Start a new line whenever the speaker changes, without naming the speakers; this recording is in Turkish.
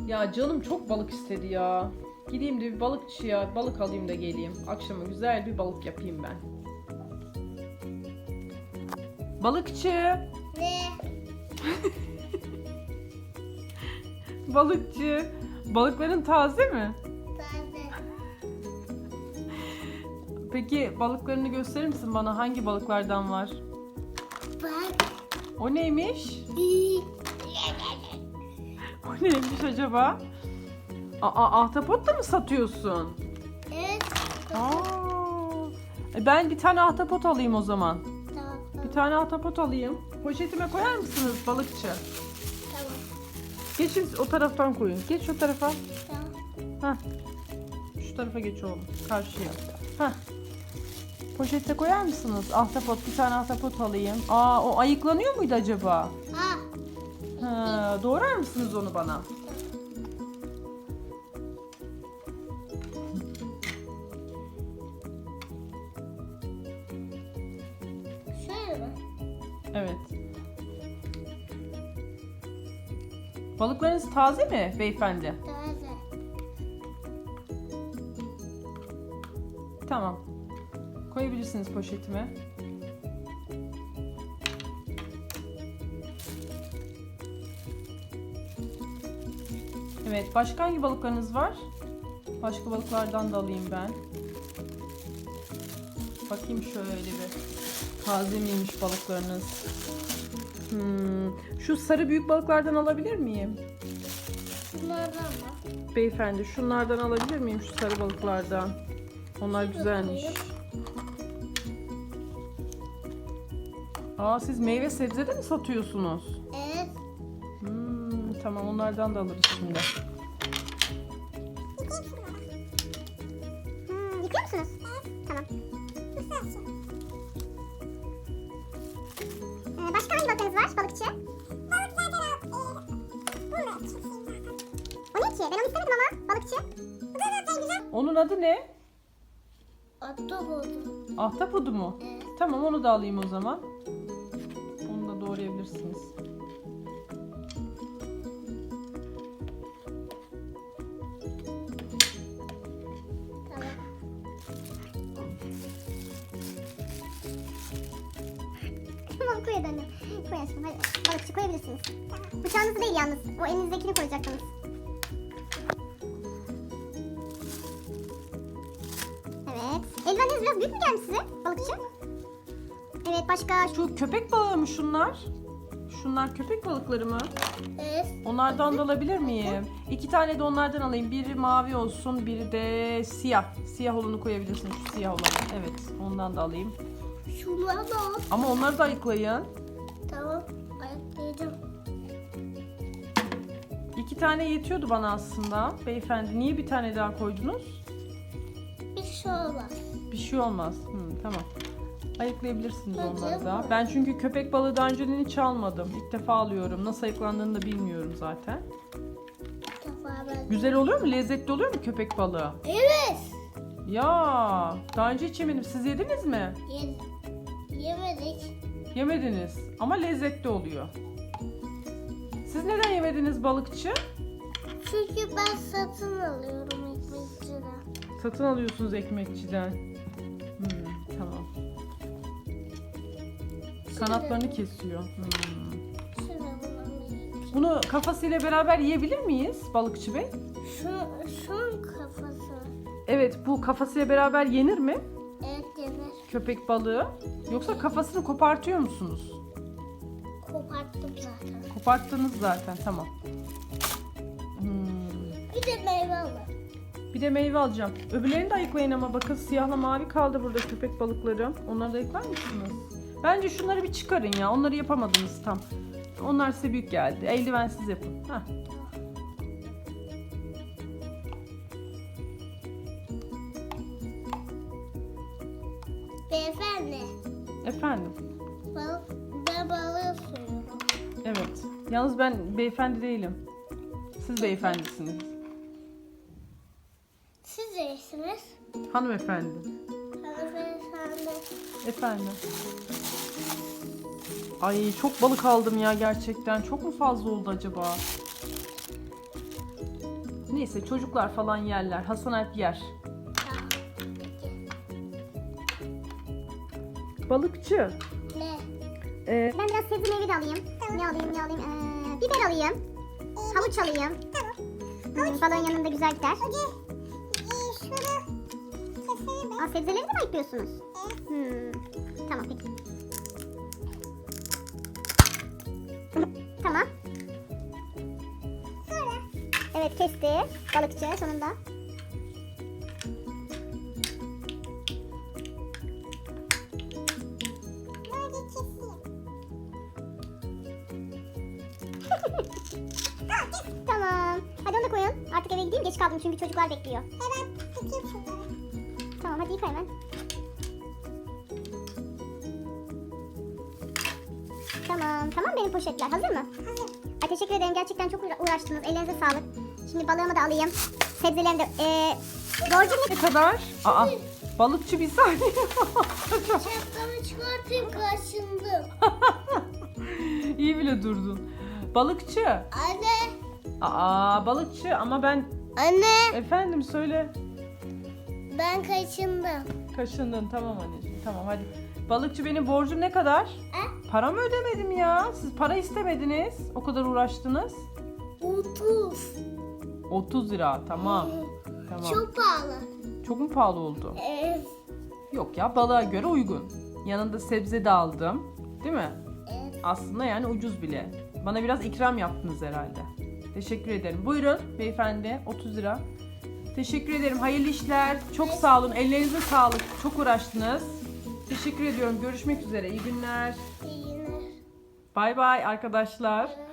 Ya canım çok balık istedi ya. Gideyim de bir balıkçıya balık alayım da geleyim. Akşama güzel bir balık yapayım ben. Balıkçı.
Ne?
Balıkçı. Balıkların taze mi?
Taze.
Peki balıklarını gösterir misin bana? Hangi balıklardan var?
Bak.
O neymiş? O neymiş acaba? Ahtapot da mı satıyorsun?
Evet.
Ben bir tane ahtapot alayım o zaman.
Tamam.
Bir tane ahtapot alayım. Poşetime koyar mısınız balıkçı?
Tamam.
Geçin o taraftan koyun. Geç o tarafa.
Tamam.
Heh. Şu tarafa geç oğlum. Karşıya. Heh. Poşete koyar mısınız? Ahtapot, bir tane ahtapot alayım. O ayıklanıyor muydu acaba? Doğrar mısınız onu bana?
Şöyle mi?
Evet. Balıklarınız taze mi beyefendi?
Taze.
Tamam. Koyabilirsiniz poşetime. Evet, başka hangi balıklarınız var? Başka balıklardan da alayım ben. Bakayım şöyle bir. Taze miymiş balıklarınız? Şu sarı büyük balıklardan alabilir miyim?
Bunlardan mı?
Beyefendi, şunlardan alabilir miyim, şu sarı balıklardan? Onlar güzelmiş. Siz meyve sebze de mi satıyorsunuz?
Evet.
Tamam, onlardan da alırız şimdi.
Yıkıyor musunuz? Evet. Tamam. Başka hangi balıklarınız var balıkçı? Balıklardan o ne ki? Ben onu istemedim ama balıkçı. Bu da zaten güzel.
Onun adı ne?
Ahtapot.
Ahtapotu mu?
Evet.
Tamam, onu da alayım o zaman. Onu da doğrayabilirsiniz.
Tamam. Tamam, koy anne. Koy aşkım, hadi. Balıkçı koyabilirsiniz. Tamam. Bıçağınızı değil yalnız. O elinizdekini koyacaktınız. Evet. Eldivenleriniz biraz büyük mü gelmiş size balıkçı? Evet, başka...
Şu köpek balığı mı şunlar? Şunlar köpek balıkları mı?
Evet.
Onlardan da alabilir miyim? 2 tane de onlardan alayım. Biri mavi olsun, biri de siyah. Siyah olanı koyabilirsiniz, şu siyah olanı. Evet, ondan da alayım.
Şunları da al.
Ama onları da ayıklayın.
Tamam. Ayaklayacağım.
2 tane yetiyordu bana aslında. Beyefendi, niye bir tane daha koydunuz?
Bir şey olmaz.
Bir şey olmaz. Tamam. Ayıklayabilirsiniz
Bence
onları da.
var.
Ben çünkü köpek balığı daha önceden hiç almadım. İlk defa alıyorum. Nasıl ayıklandığını da bilmiyorum zaten.
Defa ben.
Güzel oluyor mu? Lezzetli oluyor mu köpek balığı?
Evet.
Ya, daha önce hiç yemedim. Siz yediniz mi?
Yemedik.
Yemediniz. Ama lezzetli oluyor. Siz neden yemediniz balıkçı?
Çünkü ben satın alıyorum ekmekçiden.
Satın alıyorsunuz ekmekçiden. Tamam. Kanatlarını kesiyor.
Şöyle bulalım.
Bunu kafasıyla beraber yiyebilir miyiz balıkçı bey?
Şunun kafası.
Evet, bu kafasıyla beraber yenir mi?
Evet, yenir.
Köpek balığı. Yoksa kafasını kopartıyor musunuz?
Koparttım zaten.
Koparttınız zaten, tamam.
Bir de meyve alın.
Bir de meyve alacağım. Öbürlerini de ayıklayın ama bakın, siyahla mavi kaldı burada köpek balıkları. Onları da ayıklar mısınız? Bence şunları bir çıkarın ya. Onları yapamadınız tam. Onlar size büyük geldi. Eldivensiz yapın. Heh.
Beyefendi.
Efendim.
Ben balığı soruyorum.
Evet. Yalnız ben beyefendi değilim. Siz beyefendisiniz.
Siz neysiniz?
Hanımefendi.
Hanımefendi.
Efendim. Ay, çok balık aldım ya gerçekten. Çok mu fazla oldu acaba? Neyse çocuklar falan yerler. Hasan Alp yer. Balıkçı.
Ne?
Ee,
Ben biraz sebze meyve de alayım. Ne alayım? Biber alayım. Havuç alayım. Balığın yanında güzel gider. Aa, sebzeleri de mi ayıklıyorsunuz? Tamam peki. Tamam. Evet kesti. Balıkçı sonunda. Tamam. Hadi onu da koyun. Artık eve gideyim. Geç kaldım çünkü çocuklar bekliyor. Hemen yıkayayım şunları. Tamam hadi yıka hemen. Tamam benim poşetler. Hazır mı? Hazır. Ay, teşekkür ederim. Gerçekten çok uğraştınız. Ellerinize sağlık. Şimdi balığımı da alayım. Sebzelerimi de... borcum ne?
Ne kadar? Aa, balıkçı bir saniye.
Şapkamı çıkartayım karşımda.
İyi bile durdun. Balıkçı.
Anne.
Aa, balıkçı ama ben...
Anne.
Efendim söyle.
Ben kaçındım.
Kaşındın, tamam anneciğim, tamam hadi. Balıkçı, benim borcum ne kadar? Para mı ödemedim ya? Siz para istemediniz. O kadar uğraştınız.
30.
30 lira, tamam. Tamam.
Çok pahalı.
Çok mu pahalı oldu?
Evet.
Yok ya, balığa göre uygun. Yanında sebze de aldım. Değil mi?
Evet.
Aslında yani ucuz bile. Bana biraz ikram yaptınız herhalde. Teşekkür ederim. Buyurun beyefendi, 30 lira. Teşekkür ederim. Hayırlı işler. Çok sağ olun. Ellerinize sağlık. Çok uğraştınız. Teşekkür ediyorum. Görüşmek üzere. İyi günler.
İyi günler.
Bay bay arkadaşlar.